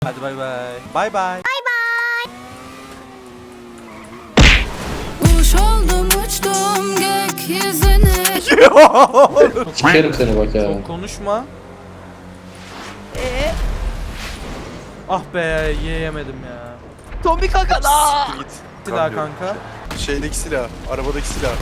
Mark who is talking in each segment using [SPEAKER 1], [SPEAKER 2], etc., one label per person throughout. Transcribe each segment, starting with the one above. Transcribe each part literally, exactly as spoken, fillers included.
[SPEAKER 1] Hadi bay bay. Bay bay.
[SPEAKER 2] Kuş oldum uçtum gökyüzüne.
[SPEAKER 3] Sikerim seni bak ya.
[SPEAKER 1] Çok konuşma.
[SPEAKER 4] Eee?
[SPEAKER 1] Ah be yiyemedim ya.
[SPEAKER 4] Tombi kaka da.
[SPEAKER 5] Git.
[SPEAKER 1] Silah kanka.
[SPEAKER 5] Şeydeki silah, arabadaki silah.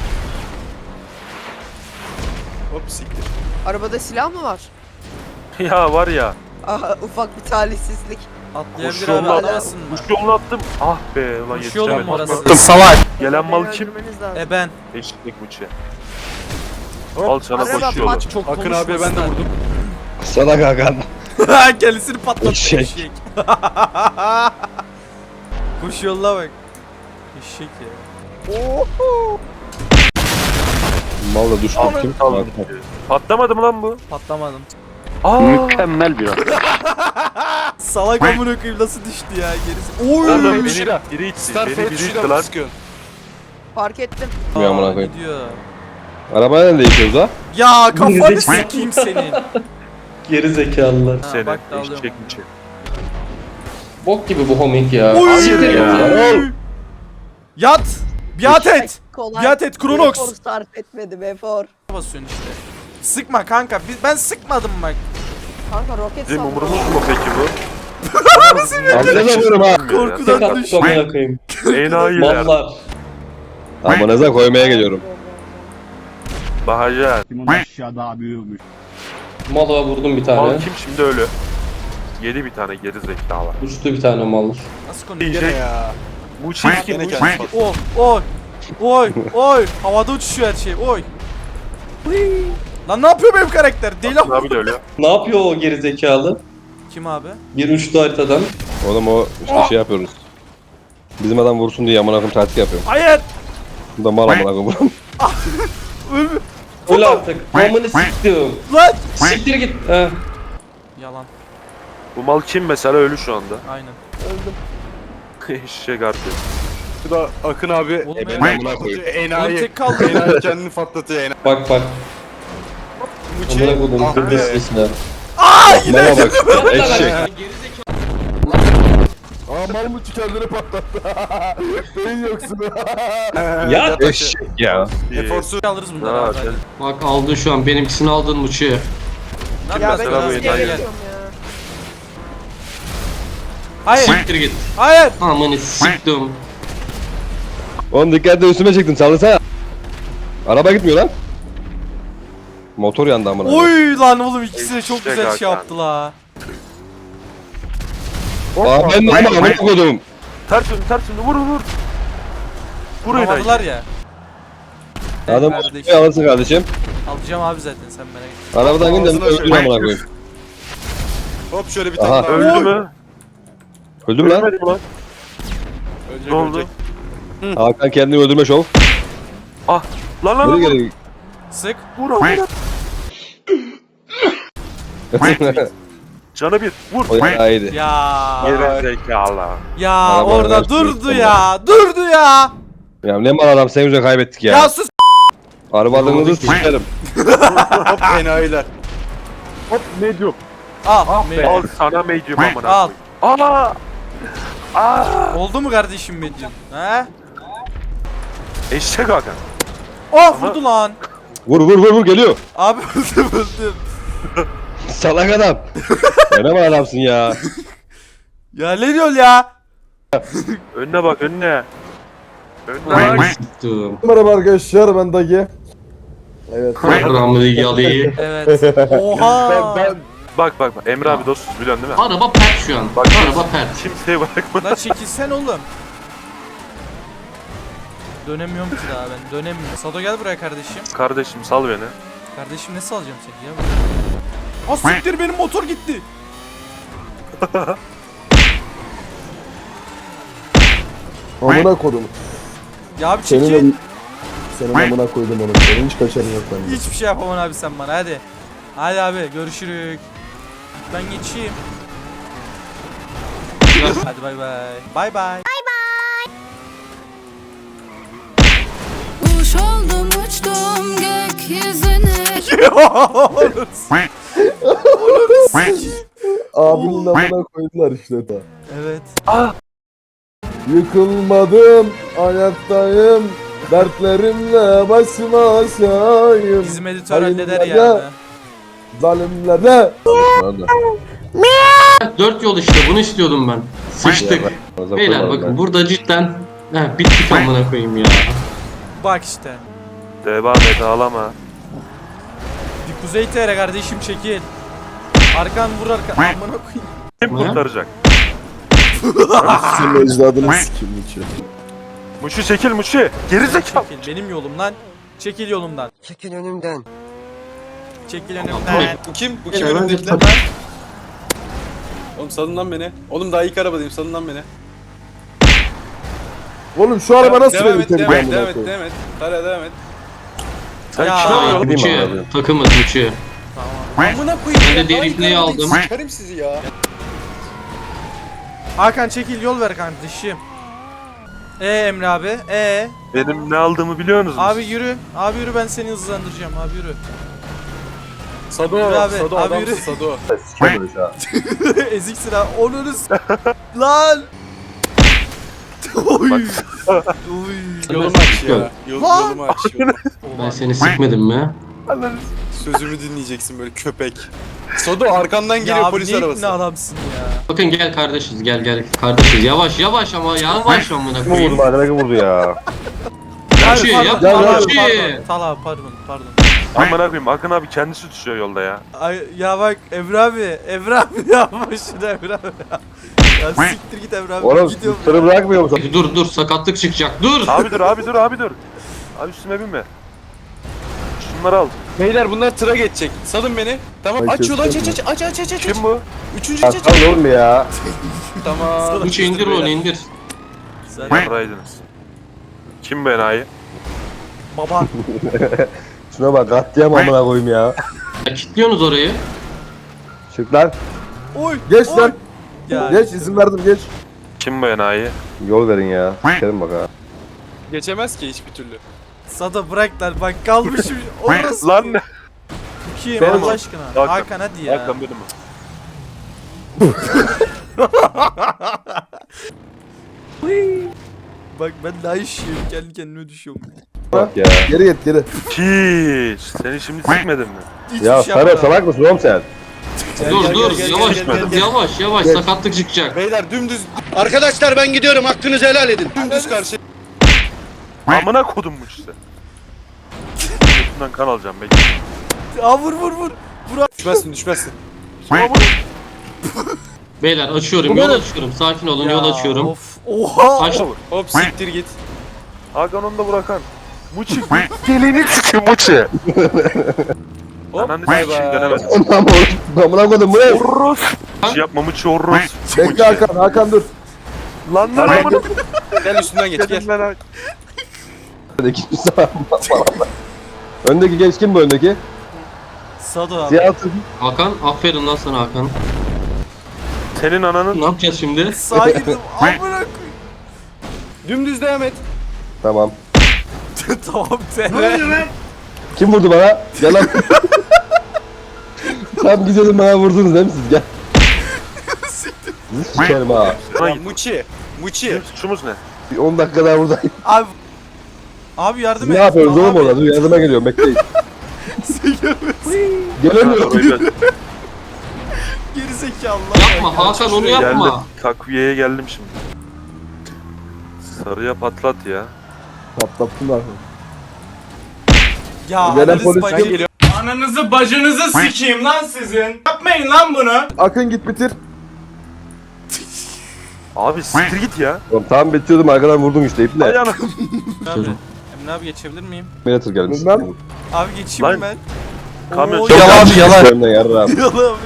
[SPEAKER 5] Hop siktir.
[SPEAKER 4] Arabada silah mı var?
[SPEAKER 6] Ya var ya.
[SPEAKER 4] Aha, ufak bir talihsizlik.
[SPEAKER 1] Atlayabilir
[SPEAKER 6] Kuş
[SPEAKER 1] abi
[SPEAKER 6] yolunu
[SPEAKER 1] atlasın mı?
[SPEAKER 6] Kuş yolunu attım. Ah be ulan
[SPEAKER 1] Kuş yolu mu
[SPEAKER 6] yetişemedim.
[SPEAKER 1] orası? Salak.
[SPEAKER 6] Gelen mal
[SPEAKER 4] Beni
[SPEAKER 6] kim?
[SPEAKER 4] öldürmeniz lazım.
[SPEAKER 1] E ben.
[SPEAKER 6] Eşitlik bıçı.
[SPEAKER 5] Hop.
[SPEAKER 6] Al sana
[SPEAKER 4] Araba
[SPEAKER 6] koş yolu.
[SPEAKER 4] maç.
[SPEAKER 1] Çok
[SPEAKER 5] Akın abiye ben de
[SPEAKER 1] konuşmasınlar.
[SPEAKER 5] vurdum.
[SPEAKER 3] Salak Hakan.
[SPEAKER 1] Kendisini patlattı
[SPEAKER 3] Eşek.
[SPEAKER 1] eşek. Kuş yoluna bak. Eşek ya.
[SPEAKER 3] Malla düştüm
[SPEAKER 6] Aldım,
[SPEAKER 3] kim?
[SPEAKER 6] aldım. Patlamadı mı lan bu?
[SPEAKER 1] Patlamadım.
[SPEAKER 6] Aa.
[SPEAKER 3] Mükemmel bir an.
[SPEAKER 1] Salak amına koyayım nasıl düştü ya gerisi. Oy.
[SPEAKER 6] Oğlum biri,
[SPEAKER 5] Tuşuyla.
[SPEAKER 6] biri içti.
[SPEAKER 5] Star
[SPEAKER 6] Beni
[SPEAKER 5] F
[SPEAKER 6] biri içti
[SPEAKER 5] tuşuyla mı
[SPEAKER 6] lan.
[SPEAKER 5] sıkıyorsun?
[SPEAKER 4] Fark ettim.
[SPEAKER 3] Ya amına
[SPEAKER 1] Aa,
[SPEAKER 3] koyayım.
[SPEAKER 1] gidiyor.
[SPEAKER 3] Arabayla ne değişiyoruz ha?
[SPEAKER 1] Ya kafanı sikeyim senin.
[SPEAKER 3] Geri zekalılar.
[SPEAKER 1] Ha,
[SPEAKER 6] Seni
[SPEAKER 1] bak da alıyorum.
[SPEAKER 6] eşek bıçı.
[SPEAKER 3] Bok gibi bu homing ya.
[SPEAKER 1] Oy.
[SPEAKER 3] Hayır ya.
[SPEAKER 1] Yat. Biat et.
[SPEAKER 4] Kolay.
[SPEAKER 1] Biat et Kronox.
[SPEAKER 4] Efor sarf etmedim efor.
[SPEAKER 1] Basıyorsun işte. Sıkma kanka. Biz- Ben sıkmadım bak.
[SPEAKER 4] Kanka roket
[SPEAKER 6] Bizim
[SPEAKER 4] saldı.
[SPEAKER 6] umurumuz mu peki bu?
[SPEAKER 3] Amına koyarım ha.
[SPEAKER 1] Korkudan
[SPEAKER 3] Tek
[SPEAKER 1] düş.
[SPEAKER 3] attım amına koyayım.
[SPEAKER 6] Enayiler.
[SPEAKER 3] Mallar. Amınıza koymaya geliyorum.
[SPEAKER 6] Bahacar.
[SPEAKER 7] Kimin aşağıda büyümüş.
[SPEAKER 3] Mala vurdum bir tane.
[SPEAKER 6] Mal kim şimdi ölü? Yedi bir tane geri zekalı.
[SPEAKER 3] Uçtu bir tane mal.
[SPEAKER 1] Nasıl konuşuyor?
[SPEAKER 5] Gene ya.
[SPEAKER 6] Bu çirkin
[SPEAKER 5] Gene
[SPEAKER 6] bu
[SPEAKER 5] kendisi
[SPEAKER 6] çirkin.
[SPEAKER 5] patladı.
[SPEAKER 1] Oy. Oy. Oy. Oy. Havada uçuşuyor her şey. Oy. Lan ne yapıyor benim karakter? Deli
[SPEAKER 6] Akın abi de ölü.
[SPEAKER 3] Ne yapıyor o geri zekalı?
[SPEAKER 1] Kim abi?
[SPEAKER 3] Bir uçtu haritadan. Oğlum o işte şey yapıyoruz. Bizim adam vursun diye amına koyayım taktik yapıyor.
[SPEAKER 1] Hayır.
[SPEAKER 3] Bu da mal amına koyayım.
[SPEAKER 1] Ölme.
[SPEAKER 3] Öyle artık. Amını siktim.
[SPEAKER 1] Lan.
[SPEAKER 3] Siktir git. He.
[SPEAKER 1] Yalan.
[SPEAKER 6] Bu mal kim mesela ölü şu anda?
[SPEAKER 1] Aynen.
[SPEAKER 6] Eşek artık.
[SPEAKER 5] Bu da Akın abi.
[SPEAKER 1] Oğlum
[SPEAKER 5] Enayi
[SPEAKER 1] ya.
[SPEAKER 3] Amına
[SPEAKER 5] patlatıyor.
[SPEAKER 1] Oğlum
[SPEAKER 5] Enayi.
[SPEAKER 1] tek kaldı.
[SPEAKER 5] Enayi kendini patlatıyor enayi.
[SPEAKER 3] Bak bak.
[SPEAKER 5] Mıçı.
[SPEAKER 3] Amına koydum
[SPEAKER 5] Ah
[SPEAKER 3] kır
[SPEAKER 5] be.
[SPEAKER 3] listesine.
[SPEAKER 1] Aa yine.
[SPEAKER 3] Bana bak. Eşek.
[SPEAKER 5] Aa mal mıçı kendini patlattı. Beyin yoksun.
[SPEAKER 3] Ya eşek ya.
[SPEAKER 5] Eforsuz.
[SPEAKER 1] Alırız bunları
[SPEAKER 6] Ha,
[SPEAKER 1] abi.
[SPEAKER 6] sen-
[SPEAKER 1] hadi.
[SPEAKER 3] Bak aldın şu an benimkisini aldın Muçi.
[SPEAKER 1] Ne
[SPEAKER 4] Ya ben
[SPEAKER 1] yapıyorsun
[SPEAKER 6] Mesela bu
[SPEAKER 1] abi?
[SPEAKER 4] nasıl
[SPEAKER 6] enayi.
[SPEAKER 1] Gel gel.
[SPEAKER 4] geçiyorum ya?
[SPEAKER 1] Hayır.
[SPEAKER 3] Siktir git.
[SPEAKER 1] Hayır.
[SPEAKER 3] Amını siktim. Oğlum dikkatli üstüme çıktın sallasana. Araba gitmiyor lan. Motor yandı amına.
[SPEAKER 1] Oy lan oğlum ikisi de çok
[SPEAKER 6] İşte
[SPEAKER 1] güzel şey
[SPEAKER 6] Hakan.
[SPEAKER 1] yaptı la.
[SPEAKER 3] Aa ben de ama amına koydum.
[SPEAKER 6] Ters dön ters dön vur vur. Vur enayi.
[SPEAKER 1] Vuramadılar ya.
[SPEAKER 3] Adam
[SPEAKER 1] Kardeşim.
[SPEAKER 3] otoyu alırsın kardeşim.
[SPEAKER 1] Alacağım abi zaten sen merak etme.
[SPEAKER 3] Arabadan gidin
[SPEAKER 5] Ağzına
[SPEAKER 3] öldür
[SPEAKER 5] şöyle.
[SPEAKER 3] amına koyayım.
[SPEAKER 5] Hop şöyle bir
[SPEAKER 3] Aha.
[SPEAKER 5] tane daha.
[SPEAKER 6] Öldü
[SPEAKER 1] Oy.
[SPEAKER 6] mü?
[SPEAKER 3] Öldüm lan.
[SPEAKER 6] Ölmedi mi lan?
[SPEAKER 5] Ölecek,
[SPEAKER 6] Ne oldu?
[SPEAKER 5] ölecek.
[SPEAKER 3] Hakan kendini öldürme şov.
[SPEAKER 6] Ah. Lan lan
[SPEAKER 3] Geri
[SPEAKER 6] lan.
[SPEAKER 3] geri.
[SPEAKER 1] Sık.
[SPEAKER 6] Vur vur. Canı bir. Vur.
[SPEAKER 3] O ya iyiydi.
[SPEAKER 1] Ya.
[SPEAKER 6] Geri zekalı.
[SPEAKER 1] Ya
[SPEAKER 3] Araba
[SPEAKER 1] orada
[SPEAKER 3] araç
[SPEAKER 1] durdu
[SPEAKER 3] sürüyor.
[SPEAKER 1] ya. Durdu ya.
[SPEAKER 3] Ya ne mal adam sen yüzüne kaybettik ya.
[SPEAKER 1] Ya sus.
[SPEAKER 3] Arabalarınızı sikerim.
[SPEAKER 5] Hop enayiler.
[SPEAKER 6] Hop medium.
[SPEAKER 1] Al. me-
[SPEAKER 6] Al sana medium amına
[SPEAKER 1] Al.
[SPEAKER 6] koyayım. Aa. Aa.
[SPEAKER 1] Oldu mu kardeşim Medyon? He?
[SPEAKER 6] Eşek Hakan.
[SPEAKER 1] Oh vurdu lan.
[SPEAKER 3] Vur vur vur vur geliyor.
[SPEAKER 1] Abi öldüm öldüm.
[SPEAKER 3] Salak adam. Ya ne mal adamsın ya.
[SPEAKER 1] Ya ne diyorsun ya?
[SPEAKER 6] Önüne bak önüne. Önüne bak.
[SPEAKER 8] Merhaba arkadaşlar ben Dagi. Evet.
[SPEAKER 3] Ramlı yalıyı.
[SPEAKER 1] Evet. Oha.
[SPEAKER 5] Ben, ben
[SPEAKER 6] Bak bak bak. Emre abi dostuz biliyorsun değil mi?
[SPEAKER 3] Araba pert şu an.
[SPEAKER 6] Bak
[SPEAKER 3] Araba pert.
[SPEAKER 6] kimseye bırakma.
[SPEAKER 1] Lan çekilsen oğlum. Dönemiyorum ki daha ben. Dönemiyorum. Sado gel buraya kardeşim.
[SPEAKER 6] Kardeşim sal beni.
[SPEAKER 1] Kardeşim ne salacağım seni ya? Ah siktir benim motor gitti.
[SPEAKER 8] Amına kodum.
[SPEAKER 1] Ya abi
[SPEAKER 8] Senin,
[SPEAKER 1] çekil.
[SPEAKER 8] senin amına koydum onu. Senin hiç kaçarın yok bende.
[SPEAKER 1] Hiçbir şey yapamam abi sen bana hadi. Hadi abi görüşürük. Ben geçeyim. Hadi bay bay. Bay bay.
[SPEAKER 2] Kuş oldum uçtum gökyüzüne.
[SPEAKER 8] Abinin amına koydular işte ta.
[SPEAKER 1] Evet.
[SPEAKER 8] Yıkılmadım, ayaktayım. Dertlerimle başıma aşağıyım.
[SPEAKER 1] Bizim editör halleder
[SPEAKER 8] Hayırlara,
[SPEAKER 1] ya.
[SPEAKER 8] Zalimlere.
[SPEAKER 7] Dört yol işte, bunu istiyordum ben. Sıçtık. Beyler bakın burada cidden Heh, bittik amına koyayım ya.
[SPEAKER 1] Bak işte.
[SPEAKER 6] Devam et ağlama.
[SPEAKER 1] Bir kuzey T R kardeşim çekil. Arkan vur arkan. Amına koyayım.
[SPEAKER 6] Kim
[SPEAKER 7] Ne?
[SPEAKER 6] kurtaracak?
[SPEAKER 8] Senin ecdadını sikim içi.
[SPEAKER 6] Muşi çekil Muşi. Geri zekalı.
[SPEAKER 1] Çekil benim yolumdan. Çekil yolumdan.
[SPEAKER 9] Çekil önümden.
[SPEAKER 1] Çekil önümden.
[SPEAKER 10] Bu kim? Bu kim
[SPEAKER 7] Beyler, bence
[SPEAKER 10] önümdekiler?
[SPEAKER 7] tak-
[SPEAKER 10] Oğlum salın lan beni. Oğlum daha ilk arabadayım, salın lan beni.
[SPEAKER 8] Oğlum şu araba nasıl
[SPEAKER 10] devam
[SPEAKER 8] beni
[SPEAKER 10] et, devam et,
[SPEAKER 8] temizleyen
[SPEAKER 10] devam
[SPEAKER 8] amına
[SPEAKER 10] et,
[SPEAKER 8] koyayım?
[SPEAKER 10] devam et. Tara devam et.
[SPEAKER 6] Sen
[SPEAKER 1] Ya.
[SPEAKER 6] kim
[SPEAKER 7] Hayır,
[SPEAKER 6] oluyorsun?
[SPEAKER 3] Gideyim
[SPEAKER 7] Muçi.
[SPEAKER 3] abi.
[SPEAKER 7] Takımız Muçi.
[SPEAKER 10] Amına koyayım.
[SPEAKER 7] Ben de
[SPEAKER 10] ya,
[SPEAKER 7] diğer
[SPEAKER 10] daha ilk
[SPEAKER 7] ipneyi
[SPEAKER 10] arabadayım,
[SPEAKER 7] aldım.
[SPEAKER 10] Sikerim sizi ya.
[SPEAKER 1] Hakan çekil yol ver kardeşim. E Emre abi. E
[SPEAKER 6] Benim ne aldığımı biliyorsunuz mu?
[SPEAKER 1] abi yürü. Abi yürü ben seni hızlandıracağım. Abi yürü.
[SPEAKER 10] Sado,
[SPEAKER 1] Yürü abi,
[SPEAKER 10] Sado
[SPEAKER 1] abi
[SPEAKER 10] adamsın
[SPEAKER 1] yürü.
[SPEAKER 10] Sado.
[SPEAKER 3] Sikem böyle ha.
[SPEAKER 1] Eziksin ha. Onu lan. Oy. Oy.
[SPEAKER 10] Yolumu aç ya. Yol,
[SPEAKER 1] Lan!
[SPEAKER 10] yolumu aç. Yolumu.
[SPEAKER 7] Ben seni sikmedim mi?
[SPEAKER 10] Sözümü dinleyeceksin böyle köpek. Sado arkandan
[SPEAKER 1] Ya
[SPEAKER 10] geliyor
[SPEAKER 1] abi
[SPEAKER 10] polis
[SPEAKER 1] ne
[SPEAKER 10] arabası.
[SPEAKER 1] ikna adamsın ya.
[SPEAKER 7] Bakın gel kardeşiz, gel gel kardeşiz. Yavaş yavaş ama yavaş amına
[SPEAKER 3] Kim vurdu
[SPEAKER 7] koyayım.
[SPEAKER 3] bana? Kim vurdu ya?
[SPEAKER 7] Muçi yapma
[SPEAKER 8] Gel, gel,
[SPEAKER 7] Muçi.
[SPEAKER 1] Pardon. Tala pardon pardon.
[SPEAKER 6] Amına koyayım Akın abi kendisi düşüyor yolda ya.
[SPEAKER 1] Ay, ya bak Emre abi. Emre abi yapma şunu Emre abi. Ya siktir git Emre abi.
[SPEAKER 3] Oğlum
[SPEAKER 1] Gidiyorum
[SPEAKER 3] tırı
[SPEAKER 1] ya.
[SPEAKER 3] bırakmıyor musun?
[SPEAKER 7] Dur dur sakatlık çıkacak dur.
[SPEAKER 6] Abi dur abi dur abi dur. Abi üstüme binme. Şunları al.
[SPEAKER 10] Beyler bunlar tıra geçecek. Salın beni. Tamam
[SPEAKER 8] Ay,
[SPEAKER 10] aç yolu aç aç
[SPEAKER 8] kötü.
[SPEAKER 10] aç aç aç aç.
[SPEAKER 6] Kim bu?
[SPEAKER 10] Üçüncü
[SPEAKER 3] Ya
[SPEAKER 10] aç aç.
[SPEAKER 3] tamam oğlum ya.
[SPEAKER 10] Tamam.
[SPEAKER 7] Muçi indir onu indir.
[SPEAKER 1] Sen
[SPEAKER 6] Yarraydınız. Kim bu enayi?
[SPEAKER 1] baba.
[SPEAKER 3] Şuna bak katliam amına koyayım ya.
[SPEAKER 7] Ya kilitliyorsunuz orayı.
[SPEAKER 3] Çık lan.
[SPEAKER 1] Oy.
[SPEAKER 8] Geç
[SPEAKER 1] oy.
[SPEAKER 8] lan.
[SPEAKER 1] Ya,
[SPEAKER 8] Geç izin verdim geç.
[SPEAKER 6] Kim bu enayi?
[SPEAKER 3] Yol verin ya. Sikerim bak ha.
[SPEAKER 10] Geçemez ki hiçbir türlü.
[SPEAKER 1] Sada bırak lan bak kalmışım. Orası.
[SPEAKER 6] Lan ne?
[SPEAKER 1] Kim
[SPEAKER 6] Benim
[SPEAKER 1] Allah
[SPEAKER 6] o.
[SPEAKER 1] aşkına?
[SPEAKER 6] Hakan.
[SPEAKER 1] Hakan hadi ya.
[SPEAKER 6] Hakan benim o.
[SPEAKER 1] Bak ben daha işiyorum kendi kendime düşüyorum.
[SPEAKER 3] Bak ya.
[SPEAKER 8] Geri git geri.
[SPEAKER 6] Hiç. Seni şimdi sikmedin mi?
[SPEAKER 1] Hiçbir
[SPEAKER 3] Ya
[SPEAKER 1] şey
[SPEAKER 3] Sarı
[SPEAKER 1] yapmadım.
[SPEAKER 3] salak mısın oğlum sen?
[SPEAKER 10] Gel,
[SPEAKER 7] Dur
[SPEAKER 10] gel,
[SPEAKER 7] dur
[SPEAKER 10] gel, gel,
[SPEAKER 7] yavaş
[SPEAKER 10] gel, gel, gel.
[SPEAKER 7] yavaş yavaş
[SPEAKER 8] Gel.
[SPEAKER 7] sakatlık çıkacak.
[SPEAKER 10] Beyler dümdüz
[SPEAKER 9] Arkadaşlar ben gidiyorum. Hakkınızı helal edin.
[SPEAKER 10] dümdüz karşı.
[SPEAKER 6] Amına kodummuş işte. Götünden kan alacağım bekle.
[SPEAKER 1] Aa vur vur vur.
[SPEAKER 10] Düşmezsin düşmezsin.
[SPEAKER 7] Beyler açıyorum yol açıyorum sakin olun yol
[SPEAKER 1] Ya,
[SPEAKER 7] açıyorum.
[SPEAKER 1] Of. Oha.
[SPEAKER 7] Aç.
[SPEAKER 10] Hop siktir git.
[SPEAKER 6] Hakan onu da bırakan. Muçi. Gelini sikim Muçi.
[SPEAKER 10] Hop
[SPEAKER 6] Ananı
[SPEAKER 10] bay
[SPEAKER 6] sikeyim
[SPEAKER 10] bay.
[SPEAKER 6] dönemez.
[SPEAKER 3] Ondan mı oğlum? Amına koydum bu ne?
[SPEAKER 6] Orros. Muçi yapma Muçi orros.
[SPEAKER 8] Bekle Hakan Hakan dur.
[SPEAKER 6] Lan lan amına.
[SPEAKER 10] Gel üstünden geç gel.
[SPEAKER 6] Gelin lan Hakan.
[SPEAKER 3] Öndeki Öndeki genç kim bu öndeki?
[SPEAKER 1] Sado abi.
[SPEAKER 3] Siyah tır.
[SPEAKER 7] Hakan aferin lan sana Hakan.
[SPEAKER 6] Senin ananın.
[SPEAKER 7] Ne yapacağız şimdi?
[SPEAKER 1] Sağa girdim. Amına koyayım.
[SPEAKER 10] Dümdüz devam et.
[SPEAKER 3] Tamam.
[SPEAKER 1] Tamam sen.
[SPEAKER 3] Kim vurdu bana? Gel lan. Tam gidiyordum bana vurdunuz değil mi siz? Gel. Sizi sikerim ha.
[SPEAKER 6] Sana
[SPEAKER 10] Ya
[SPEAKER 6] git.
[SPEAKER 10] Muçi. Muçi.
[SPEAKER 6] Bizim suçumuz ne?
[SPEAKER 3] Bir on dakika daha buradayım.
[SPEAKER 1] Abi. Abi yardım
[SPEAKER 3] Siz
[SPEAKER 1] et.
[SPEAKER 3] ne yapıyorsunuz oğlum
[SPEAKER 1] Abi.
[SPEAKER 3] orada? Dur yardıma geliyorum bekleyin. Gelemiyorum.
[SPEAKER 1] Geri zekalı.
[SPEAKER 7] Yapma Hakan onu yapma.
[SPEAKER 6] Geldim. Takviyeye geldim şimdi. Sarıya patlat ya.
[SPEAKER 8] Patlattın Hakan.
[SPEAKER 1] Ya
[SPEAKER 8] Gelen
[SPEAKER 1] analiz
[SPEAKER 8] polis
[SPEAKER 1] bacı-
[SPEAKER 10] geliyor.
[SPEAKER 11] Ananızı bacınızı sikeyim lan sizin. Yapmayın lan bunu.
[SPEAKER 8] Akın git bitir.
[SPEAKER 6] Abi siktir git ya.
[SPEAKER 3] Oğlum tam bitiyordum arkadan vurdum işte iple.
[SPEAKER 6] Ayağına.
[SPEAKER 1] Abi. Emre abi geçebilir miyim?
[SPEAKER 3] Beni tır gelmiş.
[SPEAKER 8] Bilmem.
[SPEAKER 1] Abi geçeyim
[SPEAKER 6] Lan.
[SPEAKER 1] ben.
[SPEAKER 6] Kamyon
[SPEAKER 1] Oo,
[SPEAKER 6] çok
[SPEAKER 1] yalan
[SPEAKER 6] yanlış.
[SPEAKER 1] abi yalan.
[SPEAKER 3] Önüne yarrağım.
[SPEAKER 1] Yalan abi.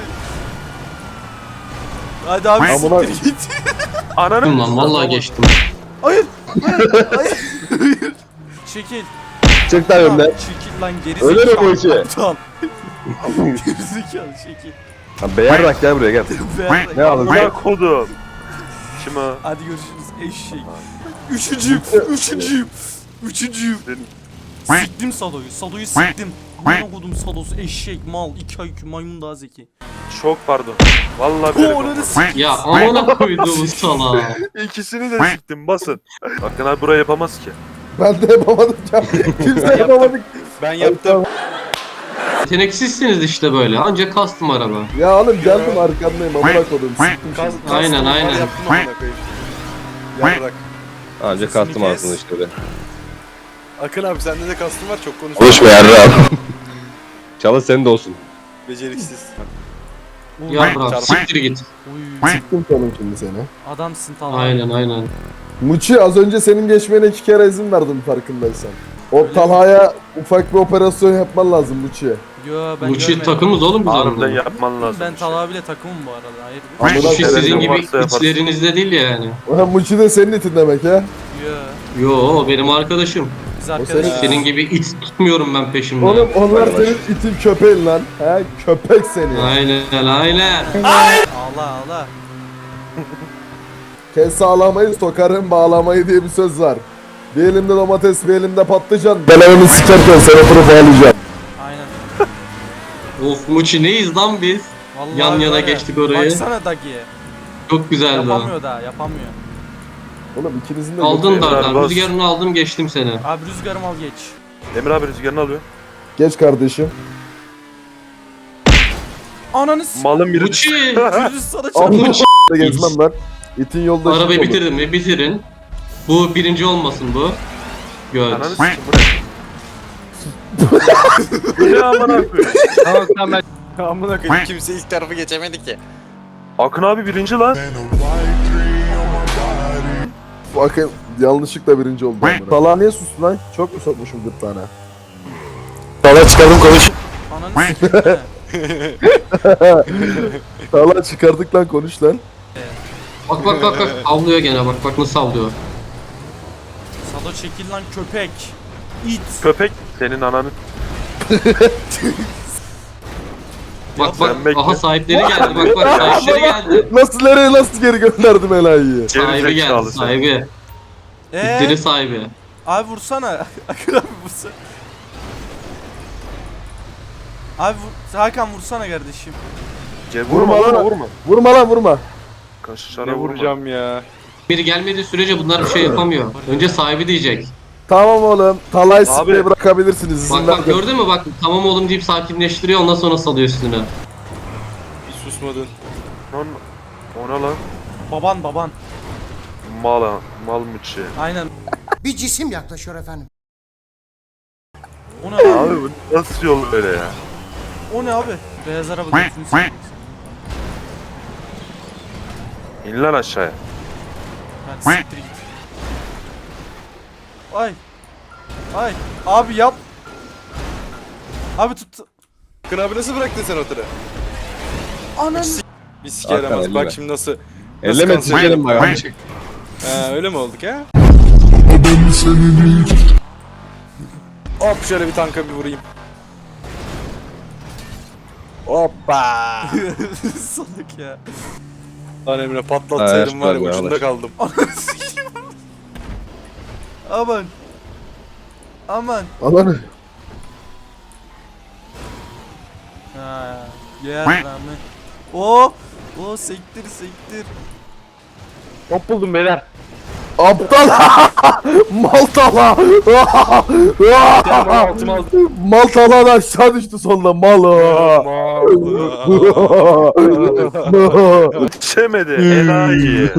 [SPEAKER 1] Hadi abi
[SPEAKER 8] Amına-
[SPEAKER 1] siktir git.
[SPEAKER 6] Ananı.
[SPEAKER 7] Lan vallahi geçtim.
[SPEAKER 1] Hayır. Hayır. Hayır. Çekil.
[SPEAKER 3] Çık lan önüne.
[SPEAKER 1] Çekil lan geri
[SPEAKER 3] Öyle mi
[SPEAKER 1] zekalı.
[SPEAKER 3] bu işi?
[SPEAKER 1] Aptal. Geri zekalı çekil.
[SPEAKER 3] Lan beyarrak gel buraya gel.
[SPEAKER 1] Ver.
[SPEAKER 3] Ne aldın?
[SPEAKER 6] Amına kodum. Kim o?
[SPEAKER 1] Hadi görüşürüz eşek. Üçüncüyüm. Üçüncüyüm. Üçüncüyüm. Siktim Sado'yu. Sado'yu siktim. Amına kodum Sado'su eşek mal. iki I Q maymun daha zeki.
[SPEAKER 6] Çok pardon. Vallahi bilerek
[SPEAKER 1] Oğlum
[SPEAKER 6] olmadı.
[SPEAKER 7] Ya amına koyduğum salağı.
[SPEAKER 6] İkisini de siktim basın. Akın abi burayı yapamaz ki.
[SPEAKER 8] Ben de yapamadım ya. Kimse yapamadık.
[SPEAKER 10] Ben yaptım.
[SPEAKER 7] Yeteneksizsiniz işte böyle. Ancak custom araba.
[SPEAKER 8] Ya oğlum geldim arkandayım amına koydum. Sıktım
[SPEAKER 10] Kas,
[SPEAKER 8] şimdi.
[SPEAKER 10] kas-
[SPEAKER 7] Aynen,
[SPEAKER 10] var,
[SPEAKER 7] aynen.
[SPEAKER 10] Yaptım amına koyayım. Yarrak.
[SPEAKER 3] Anca
[SPEAKER 10] Sesini
[SPEAKER 3] kastım
[SPEAKER 10] kes.
[SPEAKER 3] aslında işte öyle.
[SPEAKER 10] Akın abi sende de kastım var çok konuşma.
[SPEAKER 3] Konuşma yarrağım. Çalış senin de olsun.
[SPEAKER 10] Beceriksiz.
[SPEAKER 7] Ya bırak
[SPEAKER 10] Çarpı.
[SPEAKER 7] siktir git.
[SPEAKER 1] Uy,
[SPEAKER 8] Sıktım canım şimdi seni.
[SPEAKER 1] adamsın tamam.
[SPEAKER 7] Aynen aynen.
[SPEAKER 8] Muçi az önce senin geçmene iki kere izin verdim farkındaysan. O Talha'ya ufak bir operasyon yapman lazım Muçi.
[SPEAKER 1] Yo ben
[SPEAKER 7] Bu çift
[SPEAKER 1] görmedim.
[SPEAKER 7] takımız oğlum biz
[SPEAKER 6] Harbiden
[SPEAKER 7] onunla.
[SPEAKER 6] yapman lazım.
[SPEAKER 1] Ben
[SPEAKER 6] bir şey.
[SPEAKER 1] Talha bile takımım bu arada. Hayır.
[SPEAKER 8] Amına
[SPEAKER 7] Bu çift sizin
[SPEAKER 6] televizyon
[SPEAKER 7] gibi
[SPEAKER 6] varsa yaparsın.
[SPEAKER 7] içlerinizde değil yani.
[SPEAKER 8] Ulan Muçi de senin itin demek ya.
[SPEAKER 1] Yo.
[SPEAKER 7] Yo o benim arkadaşım.
[SPEAKER 1] Biz arkadaşız.
[SPEAKER 7] Senin gibi it tutmuyorum ben peşimde.
[SPEAKER 8] Oğlum onlar senin itin köpeğin lan. He köpek seni.
[SPEAKER 7] Aynen aynen.
[SPEAKER 1] Ağla ağla.
[SPEAKER 8] Kes sağlamayı sokarım bağlamayı diye bir söz var. Bir elimde domates bir elimde patlıcan. Ben evimi sikerken seni oturup ağlayacağım.
[SPEAKER 1] Aynen.
[SPEAKER 7] Of Muçi neyiz lan biz?
[SPEAKER 1] Vallahi
[SPEAKER 7] Yan yana
[SPEAKER 1] var ya,
[SPEAKER 7] geçtik orayı.
[SPEAKER 1] Baksana Dagi'ye.
[SPEAKER 7] Çok güzeldi o.
[SPEAKER 1] Yapamıyor da yapamıyor.
[SPEAKER 8] Oğlum ikinizin de
[SPEAKER 7] Aldın
[SPEAKER 8] götü-
[SPEAKER 7] dardan.
[SPEAKER 6] Bas.
[SPEAKER 7] Rüzgarını aldım geçtim seni.
[SPEAKER 1] Abi rüzgarım al geç.
[SPEAKER 6] Emir abi rüzgarını alıyor.
[SPEAKER 8] Geç kardeşim.
[SPEAKER 1] Ananı s***.
[SPEAKER 6] Malın biri
[SPEAKER 7] Muçi.
[SPEAKER 1] Rüzgar sana
[SPEAKER 8] Amma
[SPEAKER 1] çarptı.
[SPEAKER 8] da gezmem ben. İtin yolda
[SPEAKER 7] Arabayı
[SPEAKER 8] şık olur.
[SPEAKER 7] bitirdim mi? Bitirin. Bu birinci olmasın bu. Göt.
[SPEAKER 6] Ananı sikim bu ne? Bu ne amına koyayım?
[SPEAKER 10] Tamam tamam ben. Amına koyayım kimse ilk tarafı geçemedi ki.
[SPEAKER 6] Akın abi birinci lan.
[SPEAKER 8] Bakın yanlışlıkla birinci oldu. Talha niye sustu lan? Çok mu sokmuşum gırtlağına? Talha çıkardım konuş.
[SPEAKER 1] Ananı s***.
[SPEAKER 8] Talha çıkardık lan konuş lan.
[SPEAKER 7] Bak bak bak bak. Avlıyor gene bak bak nasıl avlıyor.
[SPEAKER 1] Sado çekil lan köpek. İt.
[SPEAKER 6] Köpek senin ananı.
[SPEAKER 7] Bak bak
[SPEAKER 6] sen bekle.
[SPEAKER 7] aha sahipleri geldi bak bak sahipleri geldi.
[SPEAKER 8] Nasıl nereye nasıl geri gönderdim Elay'ı?
[SPEAKER 7] Sahibi geldi
[SPEAKER 6] Gerizekalı sen.
[SPEAKER 7] sahibi.
[SPEAKER 1] Eee?
[SPEAKER 7] İtleri sahibi.
[SPEAKER 1] Abi vursana. Akın abi vursana. Abi vur. Hakan vursana kardeşim.
[SPEAKER 6] Ce-
[SPEAKER 8] Vurma
[SPEAKER 6] Vurma
[SPEAKER 8] lan.
[SPEAKER 6] vurma vurma.
[SPEAKER 8] Vurma lan vurma.
[SPEAKER 6] Kaşlara
[SPEAKER 10] Ne
[SPEAKER 6] vurma.
[SPEAKER 10] vuracağım ya.
[SPEAKER 7] Biri gelmediği sürece bunlar bir şey yapamıyor. Önce sahibi diyecek.
[SPEAKER 8] Tamam oğlum. Talha'yı
[SPEAKER 6] Abi.
[SPEAKER 8] sıkmayı bırakabilirsiniz. İzin
[SPEAKER 7] Bak bak
[SPEAKER 8] verdim.
[SPEAKER 7] gördün mü bak tamam oğlum deyip sakinleştiriyor ondan sonra salıyor üstüne.
[SPEAKER 10] Hiç susmadın.
[SPEAKER 6] Lan ona lan.
[SPEAKER 1] Baban baban.
[SPEAKER 6] Mala. Mal mıçı.
[SPEAKER 1] Aynen.
[SPEAKER 9] Bir cisim yaklaşıyor efendim.
[SPEAKER 1] O ne abi?
[SPEAKER 6] Abi bu nasıl yol böyle ya?
[SPEAKER 1] O ne abi? Beyaz araba götünü s***.
[SPEAKER 6] İn lan aşağıya.
[SPEAKER 1] Ben siktir git. Ay. Ay. Abi yap. Abi tut.
[SPEAKER 10] Akın abi nasıl bıraktın sen o tırı?
[SPEAKER 1] Ananı.
[SPEAKER 10] Bir sike yaramaz.
[SPEAKER 3] Hakan,
[SPEAKER 10] Bak
[SPEAKER 3] elleme.
[SPEAKER 10] şimdi nasıl.
[SPEAKER 3] Elleme
[SPEAKER 10] kanser
[SPEAKER 3] sikerim bak.
[SPEAKER 10] Ha, öyle mi olduk ha? Hop şöyle bir tanka bir vurayım. Hoppa.
[SPEAKER 1] Salak ya.
[SPEAKER 10] Lan Emre
[SPEAKER 3] Ha,
[SPEAKER 10] patlatsaydım var ya
[SPEAKER 3] çıkar be,
[SPEAKER 10] ucunda
[SPEAKER 3] alır.
[SPEAKER 10] kaldım.
[SPEAKER 1] Ananı sikeyim. Aman. Aman.
[SPEAKER 8] Alanı.
[SPEAKER 1] Ha. Yer rağmen. O. O sektir sektir.
[SPEAKER 6] Top buldum beyler.
[SPEAKER 8] Aptal. Mal Talha.
[SPEAKER 10] Altıma aldım.
[SPEAKER 8] Mal Talha da aşağı düştü sonunda. Mal.
[SPEAKER 6] Çemedi. Enayi.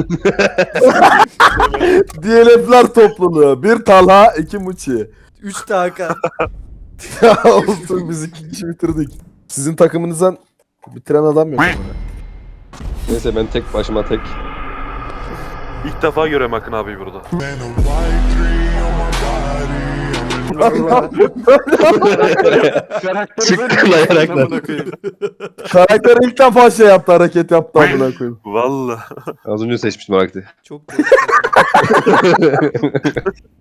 [SPEAKER 8] D L F'ler topluluğu. Bir Talha, iki Muçi.
[SPEAKER 1] Üç dakika.
[SPEAKER 8] Ya olsun biz iki kişi bitirdik. Sizin takımınızdan bitiren adam yok ama.
[SPEAKER 3] Neyse ben tek başıma tek.
[SPEAKER 6] İlk defa görüyorum Akın abi burada.
[SPEAKER 3] Çıkılayarak da.
[SPEAKER 10] Amına koyayım.
[SPEAKER 8] Karakter ilk defa şey yaptı, hareket yaptı amına koyayım.
[SPEAKER 6] Valla.
[SPEAKER 3] Az önce seçmiştim Arakti.
[SPEAKER 1] Çok